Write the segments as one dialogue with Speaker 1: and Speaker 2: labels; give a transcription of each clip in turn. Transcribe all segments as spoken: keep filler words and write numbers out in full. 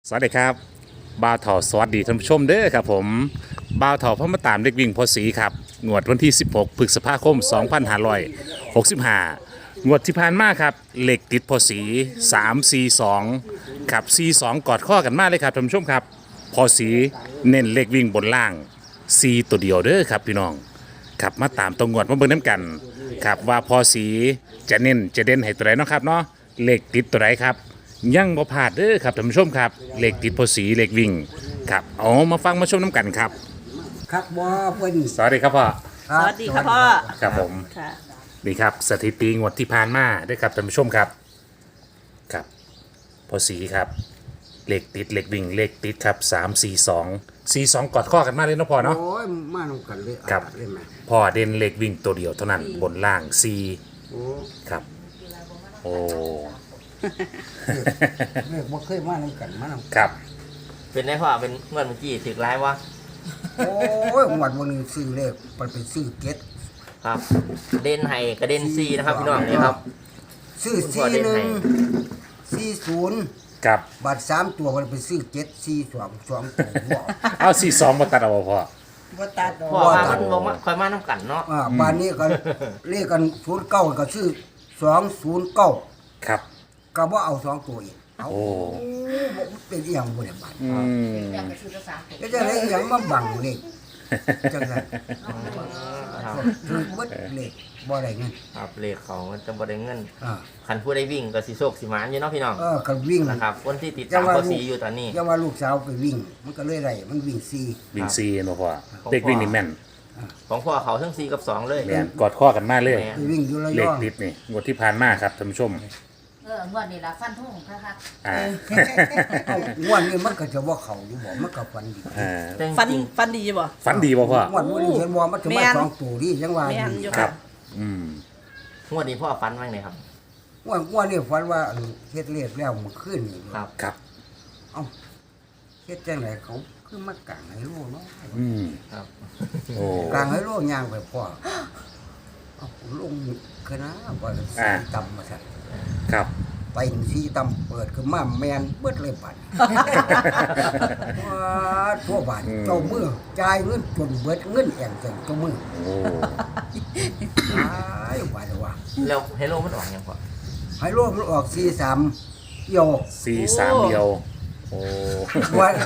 Speaker 1: สวัสดีครับบ่าวเถาสวัสดีท่านผู้ชมเด้อครับผมบ่าวเถาพระมาตามเด็กวิ่งพอสีครับงวดวันที่สิบหกพฤษภาคมสองพันห้าร้อยหกสิบห้างวดที่ผ่านมาครับเหล็กติดพอสีสาม สี่ สองครับสี่ สองกอดข้อกันมากเลยครับท่านผู้ชมครับพอสีเน้นเหล็กวิ่งบนล่างสี่ตัวเดียวเด้อครับพี่น้องครับมาตามตรงงวดมาเบิ่งน้ำกันครับว่าพอสีจะเน้นจะเด่นให้ตัวไหนเนาะครับเนาะเหล็กติดตัวไหนครับยังบ่พลาดเด้อครับท่านผู้ชมครับเหล็กติดพอสีเหล็กวิ่งครับเอามาฟังมาชมน้ำกันครับ
Speaker 2: ครับบ่เพิ่น
Speaker 1: สวัสดีครับพ่อ
Speaker 2: ครับ
Speaker 3: สวัสดีค่ะพ่อ
Speaker 1: ครับผม
Speaker 3: ค่ะ
Speaker 1: นี่ครับสถิติงวดที่ผ่านมาเด้อครับท่านผู้ชมครับครับพอสีครับเหล็กติดเหล็กวิ่งเหล็กติดครับสามสี่สองสี่สองกอดข้อกันมากเลยเนาะพ่อเนาะ
Speaker 2: โอ้ยมานำกันเลย
Speaker 1: ครับ
Speaker 2: อ่ะเลยแม่
Speaker 1: พ่อเด่นเหล็กวิ่งตัวเดียวเท่านั้นบนล่างสี่
Speaker 2: โอ้
Speaker 1: ครับโอ้
Speaker 2: เรียกบ่เคยมานำกันมานำ
Speaker 1: ครับ
Speaker 4: เป็นได้พ่อเป็นเมื่อเมื่อกี้ถือร้ายวะ
Speaker 2: โอ้ยหมดวันหนึงซื้อเลขมันเป็นซื้อเก็ต
Speaker 4: ครับเด่นไห้กระเด็นซีนะครับพี่น้องนี่ครับ
Speaker 2: ซื้อ
Speaker 4: คุณพ่อ
Speaker 2: สี่
Speaker 4: เด่น
Speaker 2: ห
Speaker 4: ให้
Speaker 2: นึ่งสี่ศูนย์
Speaker 1: ครับ
Speaker 2: บาทสามตัวมันเป็นซื้อเก็ตสี่สองสองตัวบ่
Speaker 1: เอาสี่สองมาตัดเอาบ่พ่อ
Speaker 2: บ่ตัดดอก
Speaker 4: พ่อ
Speaker 2: บ่
Speaker 4: ว่า
Speaker 2: ตั
Speaker 4: มั
Speaker 2: ด
Speaker 4: นบ่มาคอยมาน้ำกันเนาะ
Speaker 2: อ่าบ้านนี้ก็เลขกันศูนย์เก้าก็ซื้อสองศูนย์เก้า
Speaker 1: ครับ
Speaker 2: ก็บ่เอาสองตัวอีกเอา
Speaker 1: โอ้
Speaker 2: บ่เป็นอีหยังบ่ได้บาด
Speaker 1: อืม
Speaker 2: ก็จะได้อีหยังมาบังเลขจังซั่น
Speaker 4: ครับ
Speaker 2: คือเบิดเลขบ่ได้เงิน
Speaker 4: ครับเลขเขามันจะบ่ได้เงิน
Speaker 2: อ่า
Speaker 4: คันผู้ได้วิ่งก็สิโชคสิหมานอยู่เนาะพี่น้อง
Speaker 2: เออก็วิ่ง
Speaker 4: นะครับคนที่ติดตามข้อสีอยู่ตอนนี้
Speaker 2: อย่าว่าลูกสาวไปวิ่ง มันก็เลยได้มันวิ่งซี
Speaker 1: วิ่งสี่เนาะพ่อเด็กวิ่งนี่แม่น
Speaker 4: ของพ่อเขาทั้งสี่กับสองเลย
Speaker 1: แม่นกอดข้อกันมากเลย
Speaker 2: ไปวิ่งอยู่ระ
Speaker 1: เหล็
Speaker 2: ย
Speaker 1: ก
Speaker 2: อง
Speaker 1: ติดนี่งวดที่ผ่านมาครับท่านผู้ชม
Speaker 3: เอองวดนี้ละฟันทุ่งค่ะ
Speaker 1: อ่า
Speaker 2: เอางวดนี้มันก็จะว่าเขาอยู่บ่มันก็ฟันดี
Speaker 1: อ่า
Speaker 4: แต่จ
Speaker 3: ฟัน
Speaker 4: ริง
Speaker 3: ฟันดีบ่
Speaker 1: ฝันดีบ่พ่อ
Speaker 2: งวดนี้เห็นว่ามันจะ
Speaker 3: แม่
Speaker 2: มาน สองตัวนี่ยังว่า
Speaker 3: แม่น
Speaker 2: ดี
Speaker 3: อยู่
Speaker 1: ครั
Speaker 3: ค่ะ
Speaker 1: บ อืม
Speaker 4: ๆงวดนี้พ่อฟันบ้างเลยครับ
Speaker 2: งวดงวดนี้ฝันว่าอันเฮ็ดเลขแล้วมันขึ้นนี่
Speaker 4: ครับ
Speaker 1: ครับ
Speaker 2: เอ้าเฮ็ดจังไดเขาคือมากลางให้โลเนาะ
Speaker 1: อืม
Speaker 4: ครับ
Speaker 1: โอ้
Speaker 2: กลางให้โลย่างไปพ่อเอ้าลงคณะว่าสีต่ำมาซั่น
Speaker 1: ครับ
Speaker 2: ไปสีต่ำเปิดขึ้นมาแม่นเบิดเลยบัด ว้าทั่วบ้านเจ้ามือจ่ายเงินจนเบิดเงินแองจังเจ้ามือ
Speaker 1: โอ้
Speaker 2: ตายว่าแต่ว่า
Speaker 4: แล้วเฮโลมันออกยังพ่อ
Speaker 2: ให้รวมมันออกสี่สามเอี่ยว
Speaker 1: สี่สามเดียว โอ้
Speaker 2: วัน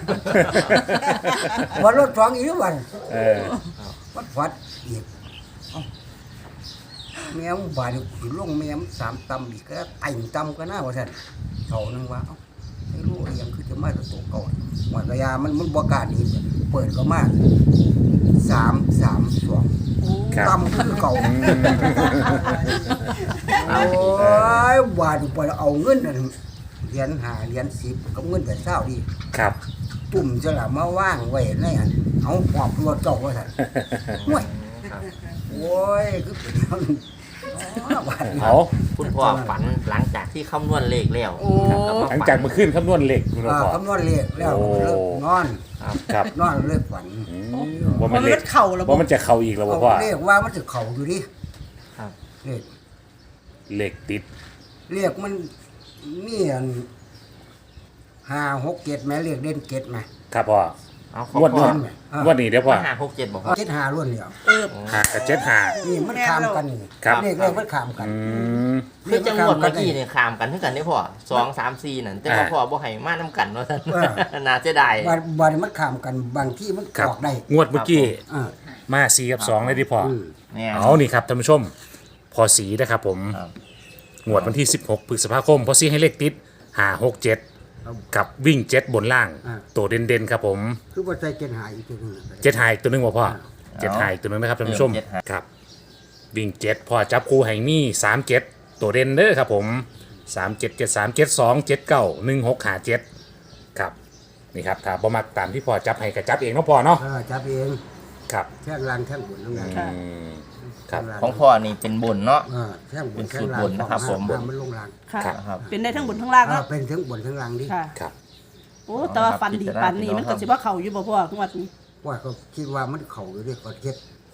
Speaker 2: วันรถสองอีกวัน
Speaker 1: เออ
Speaker 2: วัดฟัดอีกเอ้าแมวบาดสิลงแมวสามตำอีกก็ไต่ตำก็น่าว่าซั่นเท่านึงว่าเอ้าไม่รู้อีหยังคือจะมาตัวเก่าวันกระยามันมันบ่กล้าหนีเปิดก็มาสามสามสอง
Speaker 1: ครับ
Speaker 2: ตำคือเก่า
Speaker 1: อืม
Speaker 2: โอ้ยบาดไปเอาเงินนั่นเหรียญหาเหรียญสิบกับเงินแต่เศร้าดี
Speaker 1: ครับ
Speaker 2: ตุ่มจะละมาว่างไว้ในอันเอาหอบตัวเจ้าว่าสั่นห่วย
Speaker 4: ครับ
Speaker 2: โอ้ยคือเป็นอย่างนั้นอ๋อบาดนี้
Speaker 1: เอา
Speaker 4: คุณพ่อฝันหลังจากที่คำนวณเลขแล้ว
Speaker 3: โอ้
Speaker 4: ครับแล้ว
Speaker 1: หลัง
Speaker 4: ฝัน
Speaker 1: จากมาขึ้นคำนวณเหล็กคุณ
Speaker 2: อ่า
Speaker 1: พ่อ
Speaker 2: คำนวณเลขแล้ว
Speaker 1: โอ้
Speaker 2: เลิกนอน
Speaker 4: ครับ
Speaker 1: ครับ
Speaker 2: นอนเลิกฝัน
Speaker 1: อืมว่า
Speaker 3: มั
Speaker 1: มัน น
Speaker 3: เลื
Speaker 1: เหล็
Speaker 3: อก ดเข่าแล้วบ่
Speaker 1: ว่ามันจะเข่าอีกแล้วบ่
Speaker 2: เอา
Speaker 1: พ่อ
Speaker 2: เลขว่ามันจะเข่าอยู่ดิ
Speaker 4: ครับ
Speaker 2: เลข
Speaker 1: เหล็กติด
Speaker 2: เลขมันมีอันห้าหกเจ็ดแม่เลขเด่นเจ็ดไหม
Speaker 1: ครับพ่อ
Speaker 4: เอาของ
Speaker 1: งวด
Speaker 4: พ่อ
Speaker 1: นี้งวดนี้เดี๋ยวพ่อ
Speaker 4: ห้าหกเจ็ดบอกพ่อ
Speaker 2: เจ็ดหาล้วนเดียว
Speaker 3: เออ
Speaker 1: หากับเจ็ดหา
Speaker 2: นี่มันขามกันนี่
Speaker 1: ครับ
Speaker 2: เลขเลขมันขามกัน
Speaker 1: อืม
Speaker 4: คือจังหวัดเมื่อกี้เนี่ยขามกันเท่ากันได้พ่อสองสามสี่นั่นแต่ว่า
Speaker 1: อ่า
Speaker 4: พ่อบ่ให้มาน้ำกันว่าท่าน
Speaker 2: เออ
Speaker 4: น่าจะได้
Speaker 2: บางบางมันขามกันบางที่มัน
Speaker 1: ครับ
Speaker 2: ออกได้
Speaker 1: งวดเมื่อกี้
Speaker 2: อ่า
Speaker 1: มาสี่กับสองเลยดิพ่อ
Speaker 2: อืม
Speaker 4: เนี่ย
Speaker 1: เอานี่ครับท่านผู้ชม พอสีนะครับผม
Speaker 4: ครับ
Speaker 1: งวดวันที่สิบหกพฤษภาคม พอสีให้เลขติดหาหกเจ็ดกับวิ่งเจ็ดบนล่าง ตัวเด่นๆครับผม
Speaker 2: คือว่าใจเกณฑ์หายอีกตัวหนึงน่ะ
Speaker 1: เจ็ดหายตัวหนึงบ่พ่อเจ็ดหายตัวหนึงนะครับท่านผู้ชมครับ วิ่งเจ็ดพ่อจับคู่ให้มีสามเจ็ดตัวเด่นเด้อครับผมสามเจ็ดเจ็ดสามเจ็ดสองเจ็ดเก้าหนึ่งหกหาเจ็ดครับนี่ครับถ้าบ่มักตามที่พ่อจับให้ก็จับเองเนาะพ่อเนาะ
Speaker 2: เออจับเอง
Speaker 1: ครับ
Speaker 2: แท่งลานแท่งบนทั้งนั้น
Speaker 1: อืมครับ
Speaker 2: แท่ลาน
Speaker 4: ของพ่อนี่เป็นบุญเนาะ
Speaker 2: เออแท่งบ
Speaker 4: เป็น น
Speaker 2: แท่ง
Speaker 4: สูตร
Speaker 2: ลาน
Speaker 4: บนนะครับผม
Speaker 2: ห้ามันลงลาง
Speaker 3: ค่ะ
Speaker 4: ครับ
Speaker 3: เป็นได้ทั้งบนทั้งล่าง
Speaker 2: เออ
Speaker 3: เนาะ
Speaker 2: เป็นทั้งบนทั้งล่างดิ
Speaker 3: ค่ะ
Speaker 1: ครับ
Speaker 3: โอ้แต่ว่าฟันดีปันนี่มันก็สิว่าเข่าอยู่บ่พ่องวดนี้
Speaker 2: ว่าก็คิดว่ามันเข่าอยู่ดิก็เฮ็ด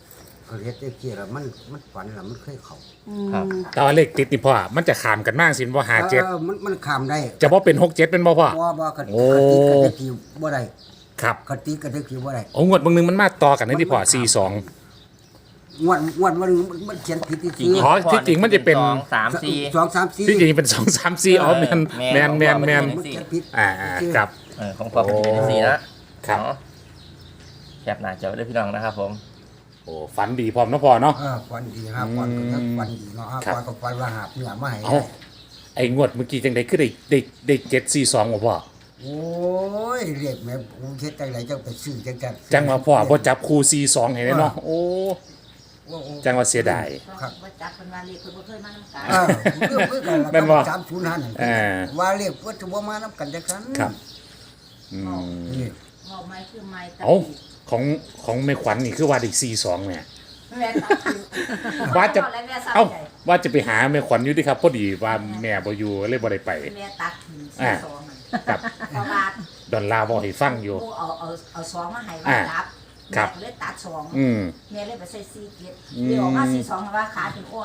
Speaker 2: ก็เฮ็ดได้เกี่ยแล้วมันมันฝันแล้วมันเคยเข้า
Speaker 4: ครับ
Speaker 1: แต่ว่าเลขติดนี่พ่อมันจะขามกันมากสิบ่หาเจ็ด
Speaker 2: ออมันมันข้ามได้
Speaker 1: จะบ่เป็นหกเจ็ดเป็นบ่พ่อ
Speaker 2: บ่บ่กัน
Speaker 1: โอ้
Speaker 2: กติกติกิวบ่ได้
Speaker 1: ครับ
Speaker 2: กติกติกิวบ่ได้
Speaker 1: โอ้งวดบางนึงมันมาต่อกันนี่ที่พ่อสี่สอง
Speaker 2: งวดงวดมันมันเขียนผิดที่
Speaker 4: จริง
Speaker 1: อ๋อที่จริงมันจะเป็น
Speaker 4: สองสามสี่
Speaker 2: สองสามสี่
Speaker 1: ที่จริงเป็นสองสามสี่อ๋อแมนแมนแมนแมน
Speaker 2: มันเขียนผิด
Speaker 1: อ่าอ่าครับ
Speaker 4: เออของพ่อเป็นเป็นสี่นะครับ เนาะแคปหน้าจอไว้ด้วยพี่น้องนะครับผม
Speaker 1: โอ้ฝันดีพร้อมเนาะพ่อเนาะ
Speaker 2: เออฝันดีครับฝันก็ยังฝันดีเนาะฮะ
Speaker 1: ครับ
Speaker 2: ฝันก็ฝันว่าหาบเนื้อมาให้
Speaker 1: เอ้าไอ้งวดเมื่อกี้จังไดคือได้ได้ได้เจ็ดสี่สองบ่พ่อ
Speaker 2: โอ้ยเรียกแม่กูเฮ็ดจังไดจังไปซื้อจังจัง
Speaker 1: จังว่าพ่อบ่จับคู่สี่สองให้เลยเนาะโอ้
Speaker 2: โอ้โอ้
Speaker 1: จังว่าเสียดาย
Speaker 2: ครับ
Speaker 3: ว่าจับเป็นว่าเรียกเพิ่นบ่เคยมานํกัน
Speaker 2: เออเรื่องเพื่อนกัน
Speaker 1: แม่นบ่
Speaker 2: สามศูนย์ห้านั่น
Speaker 1: เออ
Speaker 2: ว่าเรียกว่าจะบ่มานํกันจังซั่น
Speaker 1: ครับอืม
Speaker 2: นี่
Speaker 3: เว้าไม้คือไม้ตะ
Speaker 1: เอ้าของของแม่ขวัญนี่คือว่าได้สี่สองเนี่ย
Speaker 3: แม่ตะคือ
Speaker 1: ว่าจะ
Speaker 3: แม่ซับ
Speaker 1: เอ้า
Speaker 3: ใหญ่
Speaker 1: ว่าจะไปหาแม่ขวัญอยู่ดิครับพอดีว่าแม่บ่อยู่เลยบ่ได้ไป
Speaker 3: แม่ตักถึง
Speaker 1: อ่า
Speaker 3: สองอะ
Speaker 1: ครับ
Speaker 3: เพราะว่า
Speaker 1: ดอนลาบอกให้ฟังอยู่
Speaker 3: ผู้เอาเอาเอาสองมาให้
Speaker 1: อ่า
Speaker 3: ว่าจับ
Speaker 1: ครับ
Speaker 3: แม่ก็เลยตัดสอง
Speaker 1: อืม
Speaker 3: แม่เลยไปใส่สี่เกียร
Speaker 1: อืม
Speaker 3: เดี๋ยวออกมาสี่สองว่าขาถึงอ้วน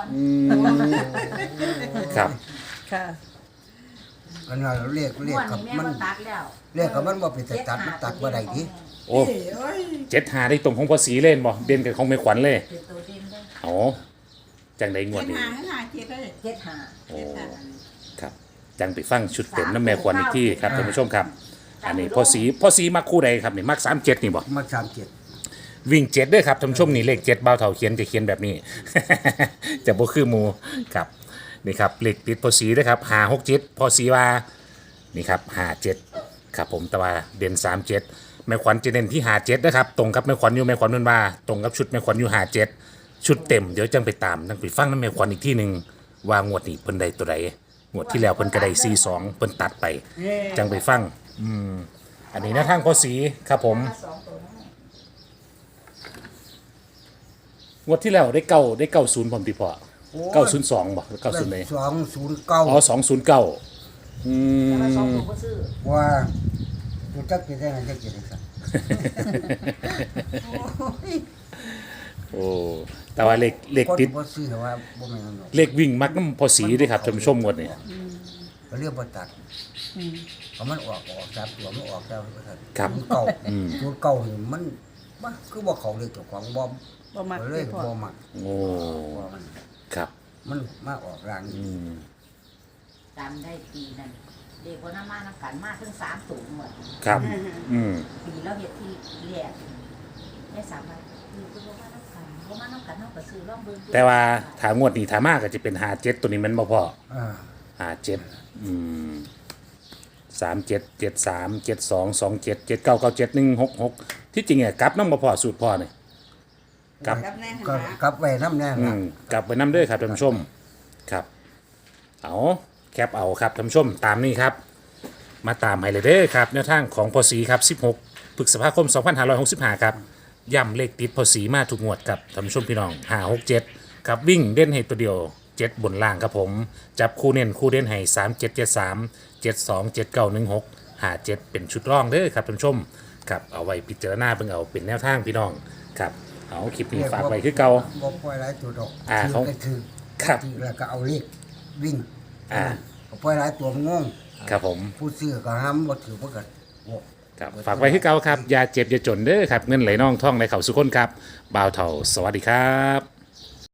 Speaker 1: ครับ
Speaker 3: ค่ะ
Speaker 2: อันนั้นเรียกเรียก
Speaker 3: อ้วน
Speaker 2: กับ
Speaker 3: นี่แม่
Speaker 2: มัน
Speaker 3: ก็ตัดแล้ว
Speaker 2: เรียกกับมันบ่เป็นแต่ตัดมันตัดบ่ได้ดิ
Speaker 1: โอ้เจ็ดหาได้ตรงของภาษีเล่นบ่เด่นกับของแม่ขวัญเลย
Speaker 3: เป็นตัวเด่นได้
Speaker 1: อ๋อจังได้งวดนี้
Speaker 3: เจ็ดหา
Speaker 1: โอ้ครับจังไปฟังชุดเต็มน้ำแม่ขวัญอีกที่ครับท่านผู้ชมครับ อันนี้พ่อสีพ่อสีมักคู่ใดครับนี่มักสามเจ็ดนี่บ่
Speaker 2: มาสามเจ็ด
Speaker 1: วิ่งเจ็ดด้วยครับท่านผู้ชมนี่เลขเจ็ดเบาเท่าเขียนจะเขียนแบบนี้ จะบ่คือหมูครับนี่ครับเลขติดพอสีด้วยครับหาหกเจ็ดพอสีว่านี่ครับหาเจ็ดครับผมแต่ว่าเด่นสามเจ็ดแม่ขวัญจะเด่นที่หาเจ็ดนะครับตรงกับแม่ขวัญอยู่แม่ขวัญนั่นว่าตรงกับชุดแม่ขวัญอยู่หาเจ็ดชุดเต็มเดี๋ยวจังไปตามจังไปฟังน้ำแม่ขวัญอีกที่หนึ่งว่างวดนี้เพิ่นใดตัวใดงวดที่แล้วเพิ่นก็ได้สี่สองเพิ่นตัดไปจังไปฟังอืมอันนี้นะทางพอสีครับผม
Speaker 3: สองตัวนั้น
Speaker 1: งวดที่แล้วได้เก้าได้เก้าศูนย์ผมตีพอเก้าศูนย์สองบ่เก้าศูนย์เลย
Speaker 2: สองศูนย์เก้า
Speaker 1: อ๋อสองศูนย์เก้าอื
Speaker 3: แต่ว่าสอง
Speaker 1: ม
Speaker 3: ตัวก็ซื้อ
Speaker 2: ว่าตัวจักจะได้ไงจักจะได้สัก
Speaker 1: โอ้แต่ว่าเลขเลข
Speaker 2: คน
Speaker 1: ติด
Speaker 2: บ่ซื้อว่าบ่แม่นหรอก
Speaker 1: เลขวิ่งมักน้ำพอสีด้วยครับท่านผู้ชมงวดนี้
Speaker 2: ก็เรียกบ่ตัดเพราะมันออกออกจากตัวมันออกแล้วว่าซั่น
Speaker 1: ครับ
Speaker 2: ศูนย์เก้าศูนย์เก้านี่มันมันคือบ่เข้าเลยเจ้าของบ่
Speaker 3: บ่มัก
Speaker 2: เลยบ่มัก
Speaker 1: โอ้
Speaker 2: ว่ามัน
Speaker 1: ครับ
Speaker 2: มันมาออกราง
Speaker 1: อืม
Speaker 3: จำได้ปีนั้นเด็กคนนั้นมาน้ำกันมาถึงสามสูงหมด
Speaker 1: ครับอืม
Speaker 3: ปีแล้วเห็ดที่แรกได้สามวันคือคือบ่มาน้ำกันบ่มาน้ำกันเนาะก็ซื้อร่องเบิ่งดู
Speaker 1: แต่ว่าถางวดนี้ถามากก็จะเป็นหาเจ็ดตัวนี้มันบ่พอ
Speaker 2: อ่า
Speaker 1: หาเจ็ดอืมสามเจ็ดเจ็ดสามเจ็ดสองสองเจ็ดเจ็ดเก้าเก้าเจ็ดหนึ่งหกหกที่จริงเนี่ยกลับน้ำบ่พอสูตรพ่อเนี่ยกลับ
Speaker 2: ก็กลับไว้นำแน่
Speaker 1: อื
Speaker 2: ล่ะ
Speaker 1: มกลับไปน้ำเด้อครับท่านผู้ชมครับ เอาแคปเอาครับท่านผู้ชมตามนี้ครับ มาตามให้เลยเด้อครับแนวทางของพอสีครับสิบหกพฤษภาคมสองพันห้าร้อยหกสิบห้าครับย่ำเลขติดพอสีมาถูกงวดครับท่านผู้ชมพี่น้องห้าหกเจ็ดครับวิ่งเด่นให้ตัวเดียวเจ็ดบนล่างครับผมจับคู่เน้นคู่เด่นให้สามเจ็ดเจ็ดสามเจ็ดสองเจ็ดเก้าหนึ่งหกห้าเจ็ดเป็นชุดร่องเด้อครับท่านผู้ชมครับเอาไว้พิจารณาเบิ่งเอาเป็นแนวทางพี่น้องครับเอาคลิปนี้ฝากไว้คือเก่า
Speaker 2: บ่ปล่อยหลายตัวดอก
Speaker 1: อ่า
Speaker 2: ถื
Speaker 1: เขา
Speaker 2: ก็ถือ
Speaker 1: ครับ
Speaker 2: ถือแล้วก็เอาเลขวิ่ง
Speaker 1: อ่า
Speaker 2: ก็ปล่อยหลายตัวมันงง
Speaker 1: ครับผม
Speaker 2: ผู้ซื้อก็ห้ามบ่ถือบ่ก็โอ้
Speaker 1: ครับฝากไว้ที่เก่าครับ อย่าเจ็บ อย่าจนเด้อครับ เงินไหลน่องท่องไหลเข่าสุขคนครับบ่าวเถ่า สวัสดีครับ